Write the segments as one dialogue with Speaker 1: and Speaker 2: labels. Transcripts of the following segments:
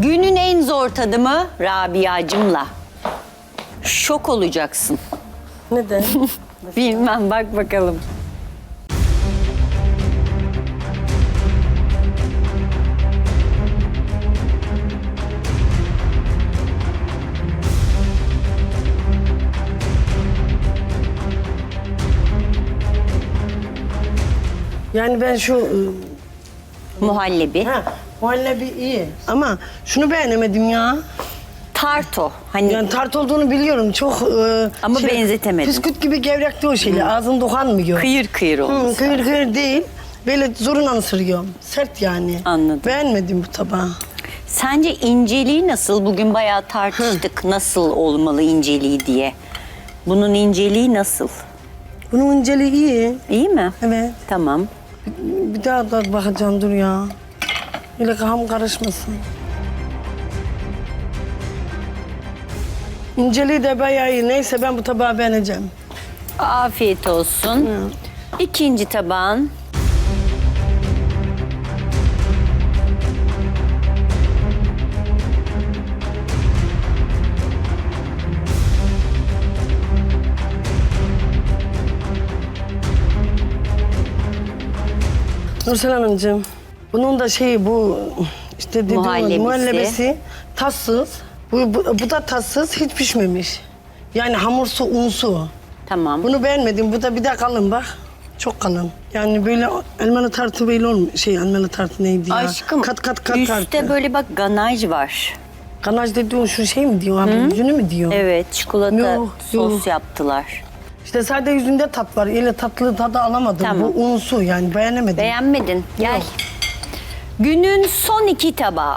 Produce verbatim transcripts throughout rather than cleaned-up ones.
Speaker 1: Günün en zor tadımı Rabia'cımla. Şok olacaksın.
Speaker 2: Neden?
Speaker 1: Bilmem, bak bakalım.
Speaker 2: Yani ben şu...
Speaker 1: Muhallebi.
Speaker 2: Ha, muhallebi iyi ama şunu beğenemedim ya.
Speaker 1: Tarto. Hani
Speaker 2: Yani tart olduğunu biliyorum çok... E,
Speaker 1: Ama benzetemedim.
Speaker 2: Bisküt gibi gevrekti o şeyle, ağzın dokanmıyor.
Speaker 1: kıyır kıyır olmuş.
Speaker 2: Hı, kıyır kıyır değil, böyle zorunla ısırıyorum. Sert yani.
Speaker 1: Anladım.
Speaker 2: Beğenmedim bu tabağı.
Speaker 1: Sence inceliği nasıl? Bugün bayağı tartıştık nasıl olmalı inceliği diye. Bunun inceliği nasıl?
Speaker 2: Bunun inceliği iyi.
Speaker 1: İyi mi?
Speaker 2: Evet.
Speaker 1: Tamam.
Speaker 2: Bir daha da bakacağım dur ya. Öyle kafam karışmasın. İnceliği de bayağı iyi. Neyse ben bu tabağı beğeneceğim.
Speaker 1: Afiyet olsun. İkinci tabağın.
Speaker 2: Nursel Hanımcığım, bunun da şeyi bu işte dediğim
Speaker 1: Muhallebisi.
Speaker 2: muhallebesi tatsız. Bu, bu, bu da tatsız, hiç pişmemiş. Yani hamursu, unsu.
Speaker 1: Tamam.
Speaker 2: Bunu beğenmedim. Bu da bir de kalın bak. Çok kalın. Yani böyle elmalı tartı böyle olmuyor. Şey elmalı tartı neydi ya?
Speaker 1: Aşkım
Speaker 2: kat kat kat
Speaker 1: üstte
Speaker 2: tartı.
Speaker 1: böyle bak ganaj var.
Speaker 2: Ganaj dediğin şu şey mi diyor abi? Yüzünü mü diyor?
Speaker 1: Evet, çikolata
Speaker 2: Yok,
Speaker 1: sos
Speaker 2: yok.
Speaker 1: yaptılar.
Speaker 2: İşte sadece yüzünde tat var. Öyle tatlı tadı alamadım.
Speaker 1: Tamam.
Speaker 2: Bu unsu yani beğenemedim.
Speaker 1: Beğenmedin. Gel.
Speaker 2: Yok.
Speaker 1: Günün son iki tabağı.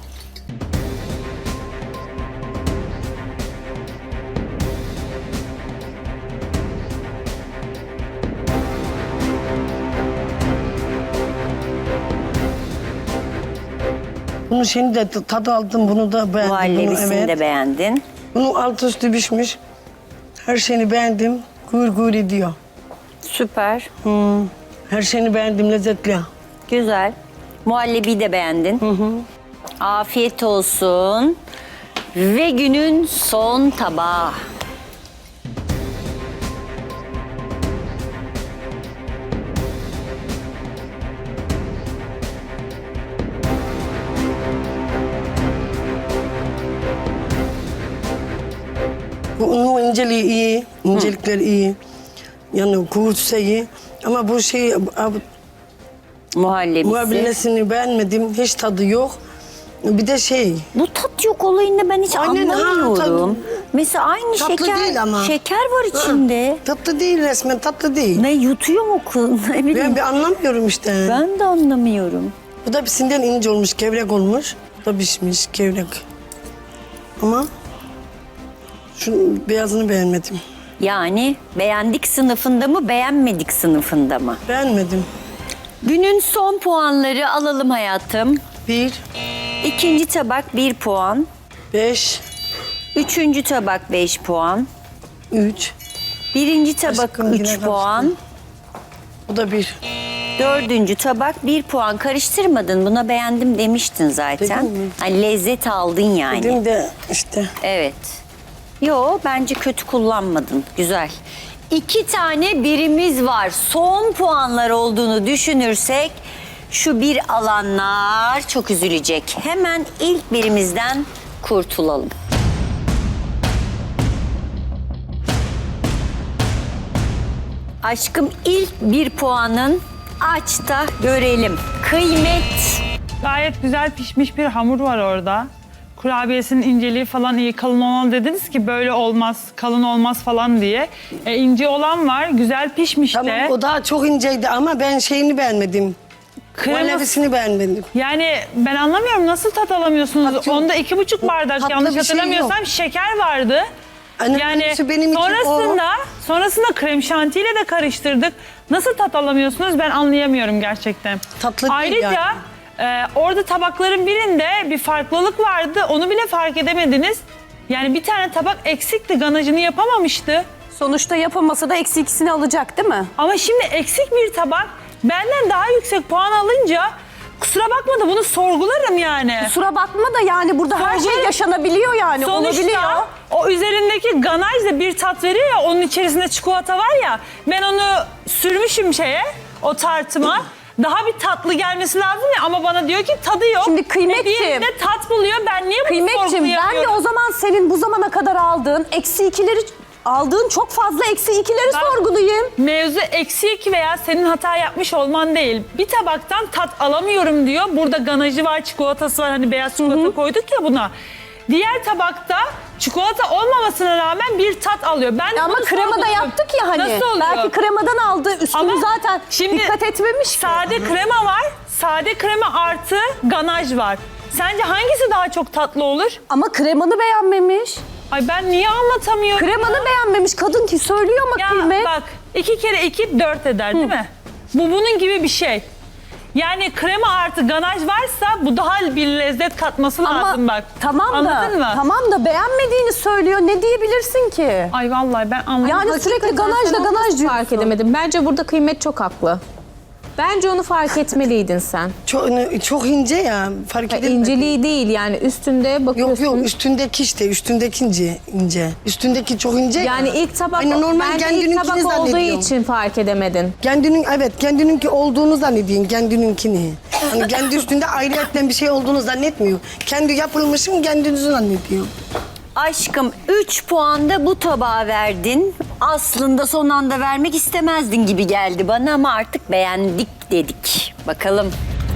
Speaker 2: Bunun şeyini de tadı aldım. Bunu da beğendim.
Speaker 1: Muhallebisini
Speaker 2: Bunu, evet.
Speaker 1: de beğendin.
Speaker 2: Bunun altı üstü pişmiş. Her şeyini beğendim. Gür gür ediyor.
Speaker 1: Süper.
Speaker 2: Hmm. Her şeyini beğendim. Lezzetli.
Speaker 1: Güzel. Muhallebiyi de beğendin. Afiyet olsun. Ve günün son tabağı.
Speaker 2: Bu unun inceliği iyi. İncelikleri iyi. Yani kuvvetse iyi. Ama bu şey... ab-
Speaker 1: Muhallebisi.
Speaker 2: Muhabbilesini beğenmedim. Hiç tadı yok. Bir de şey...
Speaker 1: Bu tat yok olayını ben hiç
Speaker 2: Aynen, ha,
Speaker 1: anlamıyorum.
Speaker 2: tabii.
Speaker 1: Mesela aynı
Speaker 2: Tatlı
Speaker 1: şeker
Speaker 2: değil ama.
Speaker 1: şeker var içinde.
Speaker 2: Tatlı değil resmen. Tatlı değil.
Speaker 1: Ne yutuyor mu kız? Ne bileyim.
Speaker 2: Ben bir anlamıyorum işte.
Speaker 1: Ben de anlamıyorum.
Speaker 2: Bu da pisinden ince olmuş, gevrek olmuş. Bu da pişmiş, gevrek. Ama şunun beyazını beğenmedim.
Speaker 1: Yani beğendik sınıfında mı, beğenmedik sınıfında mı?
Speaker 2: Beğenmedim.
Speaker 1: Günün son puanları alalım hayatım.
Speaker 2: Bir,
Speaker 1: İkinci tabak bir puan.
Speaker 2: beş,
Speaker 1: Üçüncü tabak beş puan.
Speaker 2: üç.
Speaker 1: Birinci tabak
Speaker 2: Aşkım, yine
Speaker 1: üç
Speaker 2: karıştı.
Speaker 1: puan.
Speaker 2: Bu da bir.
Speaker 1: Dördüncü tabak bir puan. Karıştırmadın. Buna beğendim demiştin zaten.
Speaker 2: Dedim mi?
Speaker 1: Hani lezzet aldın yani.
Speaker 2: Dedim de işte.
Speaker 1: Evet. Yo bence kötü kullanmadın. Güzel. İki tane birimiz var. Son puanlar olduğunu düşünürsek şu bir alanlar çok üzülecek. Hemen ilk birimizden kurtulalım. Aşkım ilk bir puanın aç da görelim. Kıymet.
Speaker 3: Gayet güzel pişmiş bir hamur var orada. Kurabiyesinin inceliği falan iyi. Kalın olan dediniz ki böyle olmaz, kalın olmaz falan diye. E, ince olan var, güzel pişmiş
Speaker 2: Tamam
Speaker 3: de.
Speaker 2: o daha çok inceydi ama ben şeyini beğenmedim.
Speaker 3: Kreması-
Speaker 2: Muhallebisini beğenmedim.
Speaker 3: Yani ben anlamıyorum nasıl tat alamıyorsunuz?
Speaker 2: Tat yok.
Speaker 3: Onda iki buçuk bardak
Speaker 2: Tatlı
Speaker 3: yanlış
Speaker 2: bir şey
Speaker 3: hatırlamıyorsam şeker vardı.
Speaker 2: Anne,
Speaker 3: Yani
Speaker 2: benim için
Speaker 3: sonrasında, sonrasında krem şantiyle de karıştırdık. Nasıl tat alamıyorsunuz ben anlayamıyorum gerçekten.
Speaker 2: Tatlı değil
Speaker 3: Ayrıca
Speaker 2: yani.
Speaker 3: e, orada tabakların birinde bir farklılık vardı. Onu bile fark edemediniz. Yani bir tane tabak eksikti, ganajını yapamamıştı.
Speaker 4: Sonuçta yapamasa da eksi ikisini alacak değil mi?
Speaker 3: Ama şimdi eksik bir tabak benden daha yüksek puan alınca kusura bakma da bunu sorgularım yani.
Speaker 4: Kusura bakma da yani burada her şey
Speaker 3: Sonuçta-
Speaker 4: yaşanabiliyor yani. Olabiliyor.
Speaker 3: Sonuçta o üzerindeki ganaj da bir tat veriyor ya, onun içerisinde çikolata var ya, ben onu sürmüşüm şeye, o tartıma. Daha bir tatlı gelmesi lazım ya, ama bana diyor ki tadı yok.
Speaker 4: Şimdi Kıymetciğim-
Speaker 3: Ve diğerinde tat buluyor, ben niye bunu
Speaker 4: Kıymetciğim ben de
Speaker 3: sorgulayamıyorum?
Speaker 4: o zaman senin bu zamana kadar aldığın eksi ikileri aldığın çok fazla eksi ikileri
Speaker 3: Ben-
Speaker 4: sorgulayayım.
Speaker 3: Mevzu eksi iki veya senin hata yapmış olman değil. Bir tabaktan tat alamıyorum diyor. Burada ganajı var, çikolatası var. Hani beyaz çikolata koyduk ya buna. Diğer tabakta çikolata olmamasına rağmen bir tat alıyor. Ben de
Speaker 4: Ama
Speaker 3: bunu
Speaker 4: kremada
Speaker 3: sorguluyorum.
Speaker 4: yaptık ya hani.
Speaker 3: Nasıl oluyor?
Speaker 4: Belki kremadan aldı. Üstünü
Speaker 3: Ama
Speaker 4: zaten
Speaker 3: şimdi
Speaker 4: dikkat etmemiş ki.
Speaker 3: Sade krema var. Sade krema artı ganaj var. Sence hangisi daha çok tatlı olur?
Speaker 4: Ama kremanı beğenmemiş.
Speaker 3: Ay ben niye anlatamıyorum?
Speaker 4: Kremanı beğenmemiş kadın ki söylüyor ama
Speaker 3: Ya
Speaker 4: Kıymet.
Speaker 3: bak, iki kere iki dört eder değil mi? Bu bunun gibi bir şey. Yani krema artı ganaj varsa bu daha bir lezzet katması lazım bak.
Speaker 4: tamam
Speaker 3: Anladın
Speaker 4: da
Speaker 3: mı?
Speaker 4: tamam da beğenmediğini söylüyor. Ne diyebilirsin ki?
Speaker 3: Ay vallahi ben anlamadım.
Speaker 4: Yani sürekli ganaj da
Speaker 5: Sen
Speaker 4: ganaj
Speaker 5: nasıl
Speaker 4: diyorsun.
Speaker 5: fark edemedim. Bence burada Kıymet çok haklı. Bence onu fark etmeliydin sen.
Speaker 2: Çok, çok ince ya. Fark
Speaker 5: Ya
Speaker 2: edilmedi.
Speaker 5: inceliği değil yani üstünde
Speaker 2: Yok
Speaker 5: bakıyorsun.
Speaker 2: yok üstündeki işte üstündeki ince ince. Üstündeki çok ince.
Speaker 5: Yani
Speaker 2: ya.
Speaker 5: ilk tabak,
Speaker 2: Aynen normal
Speaker 5: bence ilk
Speaker 2: kendininkini
Speaker 5: tabak olduğu
Speaker 2: zannediyorum.
Speaker 5: için fark edemedin.
Speaker 2: Kendinin evet kendininki olduğunu zannediyorsun kendininkini. Hani kendi üstünde ayrıyetten bir şey olduğunu zannetmiyor. Kendi yapılmışım kendinizi zannediyor.
Speaker 1: Aşkım üç puan da bu tabağa verdin. Aslında son anda vermek istemezdin gibi geldi bana ama artık beğendik dedik. Bakalım.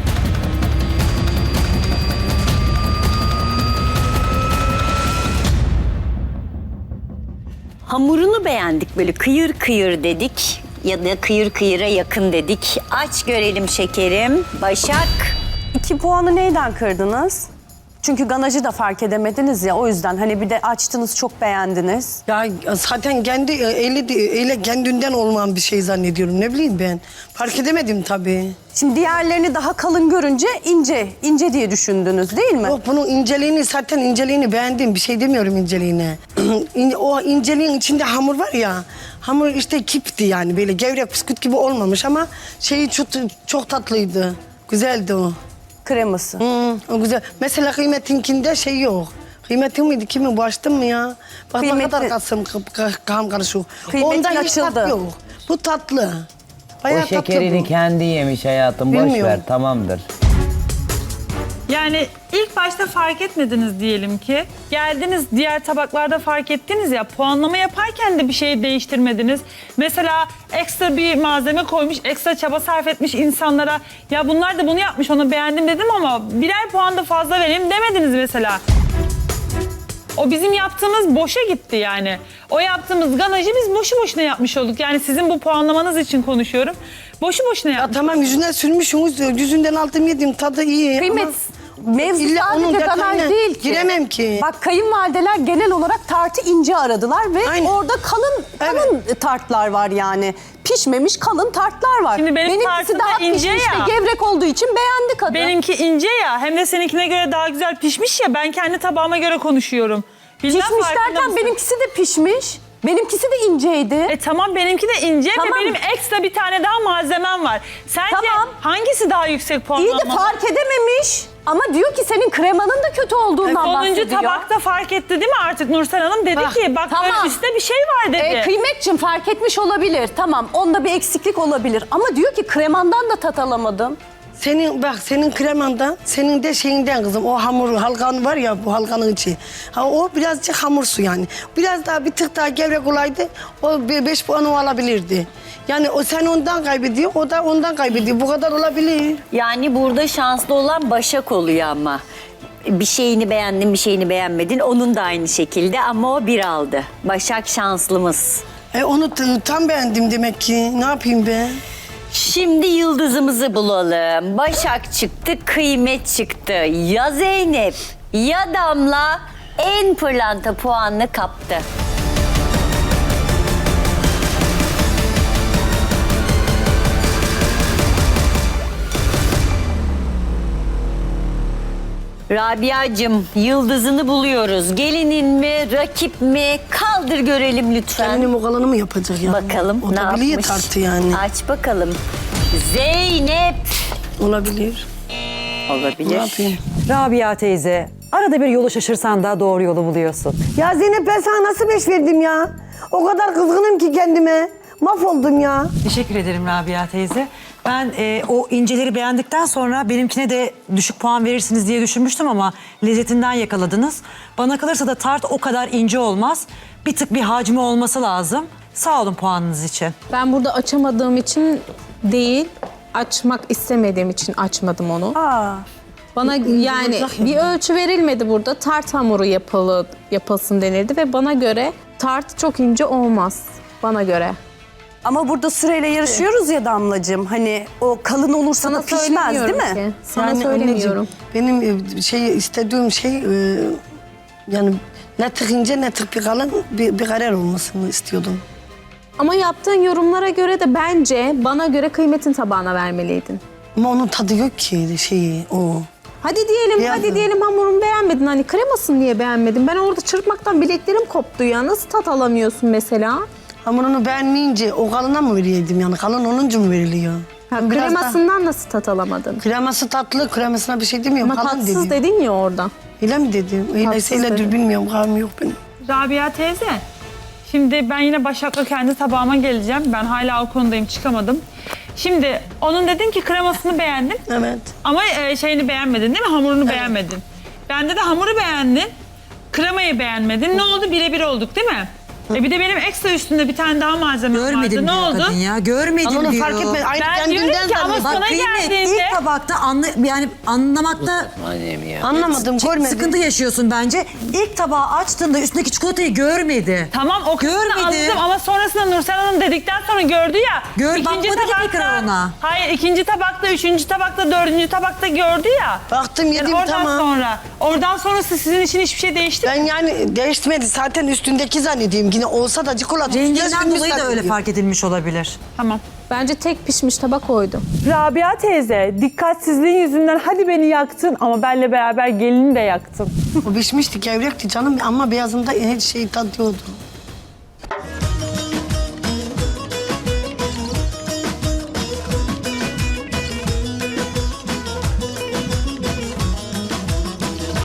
Speaker 1: Hamurunu beğendik, böyle kıyır kıyır dedik ya da kıyır kıyıra yakın dedik. Aç görelim şekerim. Başak.
Speaker 4: İki puanı neyden kırdınız? Çünkü ganajı da fark edemediniz ya, o yüzden hani bir de açtınız, çok beğendiniz.
Speaker 2: Ya zaten kendi eli ele kendinden olmayan bir şey zannediyorum. Ne bileyim ben. Fark edemedim tabii.
Speaker 4: Şimdi diğerlerini daha kalın görünce ince, ince diye düşündünüz değil mi?
Speaker 2: Yok bunun inceliğini zaten inceliğini beğendim. Bir şey demiyorum inceliğine. İn- o inceliğin içinde hamur var ya. Hamur işte kipti yani böyle gevrek bisküvit gibi olmamış ama şeyi çok, çok tatlıydı. Güzeldi o.
Speaker 4: Kreması.
Speaker 2: Hı, o güzel. Mesela Kıymet'inkinde şey yok. Kıymetin miydi? Kimin? Bu açtın mı ya? Bak ne
Speaker 4: Kıymetli.
Speaker 2: kadar kasım kam karışık.
Speaker 4: Kıymetin
Speaker 2: Ondan hiç
Speaker 4: açıldı.
Speaker 2: tat yok. Bu tatlı. Bayağı
Speaker 6: O şekerini
Speaker 2: tatlı bu.
Speaker 6: kendi yemiş hayatım. Boş
Speaker 2: Bilmiyorum.
Speaker 6: ver, tamamdır.
Speaker 3: Yani ilk başta fark etmediniz diyelim ki. Geldiniz diğer tabaklarda fark ettiniz ya, puanlama yaparken de bir şeyi değiştirmediniz. Mesela ekstra bir malzeme koymuş, ekstra çaba sarf etmiş insanlara. Ya bunlar da bunu yapmış, onu beğendim dedim ama birer puan da fazla vereyim demediniz mesela. O bizim yaptığımız boşa gitti yani. O yaptığımız ganajı biz boşu boşuna yapmış olduk. Yani sizin bu puanlamanız için konuşuyorum. Boşu boşuna
Speaker 2: Ya
Speaker 3: yapmış.
Speaker 2: tamam yüzünden sürmüşsünüz. Yüzünden aldım yedim. Tadı iyi.
Speaker 4: Kıymet,
Speaker 2: ama
Speaker 4: mevzu
Speaker 2: illa onun
Speaker 4: sadece ganaj
Speaker 2: detayına
Speaker 4: değil ki.
Speaker 2: giremem ki.
Speaker 4: Bak kayınvalideler genel olarak tartı ince aradılar ve
Speaker 2: Aynen.
Speaker 4: orada kalın kalın tartlar var yani. Pişmemiş kalın tartlar var.
Speaker 3: Şimdi benim
Speaker 4: Benimkisi
Speaker 3: tartım da
Speaker 4: daha
Speaker 3: ince
Speaker 4: pişmiş
Speaker 3: ya.
Speaker 4: ve gevrek olduğu için beğendi kadın.
Speaker 3: Benimki ince ya, hem de seninkine göre daha güzel pişmiş ya, ben kendi tabağıma göre konuşuyorum. Bilmem
Speaker 4: Pişmiş
Speaker 3: farkında
Speaker 4: derken
Speaker 3: mısın?
Speaker 4: benimkisi de pişmiş. Benimkisi de inceydi.
Speaker 3: E tamam, benimki de ince
Speaker 4: Tamam.
Speaker 3: ve benim ekstra bir tane daha malzemem var. Sence
Speaker 4: Tamam.
Speaker 3: hangisi daha yüksek
Speaker 4: İyi
Speaker 3: puanlanmalı?
Speaker 4: de fark edememiş. Ama diyor ki senin kremanın da kötü olduğundan
Speaker 3: Sonuncu
Speaker 4: bahsediyor.
Speaker 3: tabakta fark etti değil mi artık Nursel Hanım? Dedi
Speaker 2: Bak,
Speaker 3: ki bak
Speaker 4: tamam.
Speaker 3: böyle üstte bir şey var dedi.
Speaker 4: E, Kıymetciğim fark etmiş olabilir. Tamam, onda bir eksiklik olabilir. Ama diyor ki kremandan da tat alamadım.
Speaker 2: Senin bak senin kremandan, senin de şeyinden kızım. O hamur halkan var ya bu halkanın içi. Ha, o birazcık hamursu yani. Biraz daha bir tık daha gevrek olaydı o bir beş puanı o alabilirdi. Yani o sen ondan kaybediyor, o da ondan kaybediyor. Bu kadar olabilir.
Speaker 1: Yani burada şanslı olan Başak oluyor ama. Bir şeyini beğendin, bir şeyini beğenmedin. Onun da aynı şekilde ama o bir aldı. Başak şanslımız.
Speaker 2: E onu t- tam beğendim demek ki. Ne yapayım ben?
Speaker 1: Şimdi yıldızımızı bulalım. Başak çıktı, Kıymet çıktı. Ya Zeynep ya Damla en pırlanta puanını kaptı. Rabia'cığım yıldızını buluyoruz. Gelinin mi, rakip mi? Kaldır görelim lütfen.
Speaker 2: Kendini o kalanı mı yapacak ya?
Speaker 1: Bakalım
Speaker 2: o
Speaker 1: ne
Speaker 2: da biliyor
Speaker 1: yapmış?
Speaker 2: tartı yani.
Speaker 1: Aç bakalım. Zeynep.
Speaker 2: Olabilir. Ne
Speaker 1: Olabilir.
Speaker 2: yapayım?
Speaker 6: Rabia teyze, arada bir yolu şaşırsan da doğru yolu buluyorsun.
Speaker 2: Ya Zeynep ben sana nasıl beş verdim ya? O kadar kızgınım ki kendime. Mahvoldum ya.
Speaker 6: Teşekkür ederim Rabia teyze. Ben e, o inceleri beğendikten sonra benimkine de düşük puan verirsiniz diye düşünmüştüm ama lezzetinden yakaladınız. Bana kalırsa da tart o kadar ince olmaz. Bir tık bir hacmi olması lazım. Sağ olun puanınız için.
Speaker 5: Ben burada açamadığım için değil, açmak istemediğim için açmadım onu.
Speaker 4: Aa,
Speaker 5: Bana yani bir ölçü verilmedi burada. Tart hamuru yapılı, yapılsın denildi ve bana göre tart çok ince olmaz. Bana göre.
Speaker 4: ama burada süreyle yarışıyoruz ya Damlacığım. Hani o kalın olursa
Speaker 5: Sana
Speaker 4: da pişmez değil
Speaker 5: söylemiyorum
Speaker 4: mi?
Speaker 5: ki. Sana
Speaker 2: Yani
Speaker 5: söylemiyorum.
Speaker 2: anneciğim, benim e, şey istediğim şey e, yani ne tık ince ne tık bir kalın bir, bir karar olmasını istiyordum.
Speaker 5: Ama yaptığın yorumlara göre de bence bana göre kıymetin tabağına vermeliydin.
Speaker 2: Ama onun tadı yok ki şeyi o.
Speaker 5: Hadi diyelim,
Speaker 2: Beyaz
Speaker 5: hadi
Speaker 2: mı?
Speaker 5: diyelim hamurunu beğenmedin. Hani kremasını niye beğenmedin? Ben orada çırpmaktan bileklerim koptu ya. Nasıl tat alamıyorsun mesela?
Speaker 2: Hamurunu beğenmeyince o kalına mı veriyordum yani? Kalın olunca mı veriliyor?
Speaker 5: Ha,
Speaker 2: Biraz da-
Speaker 5: kremasından nasıl tat alamadın?
Speaker 2: Kreması tatlı, kremasına bir şey demiyorum.
Speaker 5: Ama
Speaker 2: kalın
Speaker 5: tatsız
Speaker 2: dedim.
Speaker 5: dedin ya orada.
Speaker 2: Öyle mi dedim? Öyleyse
Speaker 5: Tatsız
Speaker 2: öyledir
Speaker 5: dedim.
Speaker 2: bilmiyorum. Kalım yok benim.
Speaker 3: Rabia teyze, şimdi ben yine Başak'la kendi tabağıma geleceğim. Ben hala o konudayım, çıkamadım. Şimdi onun dedin ki kremasını beğendin
Speaker 2: Evet.
Speaker 3: ama e, şeyini beğenmedin değil mi? Hamurunu beğenmedin. Bende de hamuru beğendin, kremayı beğenmedin. Ne oldu? Birebir olduk değil mi? E bir de benim ekstra üstünde bir tane daha malzeme
Speaker 6: Görmedim
Speaker 3: vardı. Ne
Speaker 6: diyor
Speaker 3: oldu?
Speaker 6: kadın ya. Görmedim
Speaker 2: Ama onu
Speaker 6: diyor.
Speaker 2: fark etme. Aynı
Speaker 3: Ben diyorum
Speaker 2: kendinden
Speaker 3: ki ama
Speaker 2: zannediyor.
Speaker 3: sana
Speaker 6: Bak kıymet
Speaker 3: geldiğinde-
Speaker 6: ilk tabakta anla, yani anlamakta
Speaker 2: Anlamadım,
Speaker 6: ç-
Speaker 2: görmedim.
Speaker 6: sıkıntı yaşıyorsun bence. İlk tabağı açtığında üstündeki çikolatayı görmedi.
Speaker 3: Tamam o kısmını
Speaker 6: Görmedi.
Speaker 3: anladım ama sonrasında Nursel Hanım dedikten sonra gördü ya.
Speaker 6: Gör- bakmadı ki tekrar ona.
Speaker 3: Hayır ikinci tabakta, üçüncü tabakta, dördüncü tabakta gördü ya.
Speaker 2: Baktım yedim
Speaker 3: Yani oradan
Speaker 2: tamam.
Speaker 3: sonra. Oradan sonrası sizin için hiçbir şey değişti mi?
Speaker 2: Ben yani değişmedi. Zaten üstündeki zannediyorum. Yine olsa da çikolata.
Speaker 6: Renginden
Speaker 2: üstünde
Speaker 6: dolayı da öyle
Speaker 2: zannediyorum.
Speaker 6: fark edilmiş olabilir.
Speaker 3: Tamam.
Speaker 5: Bence tek pişmiş tabak oydu.
Speaker 3: Rabia teyze dikkatsizliğin yüzünden hadi beni yaktın ama benle beraber gelini de yaktın.
Speaker 2: O pişmişti, gevrekti canım ama beyazında her şey tadıyordu.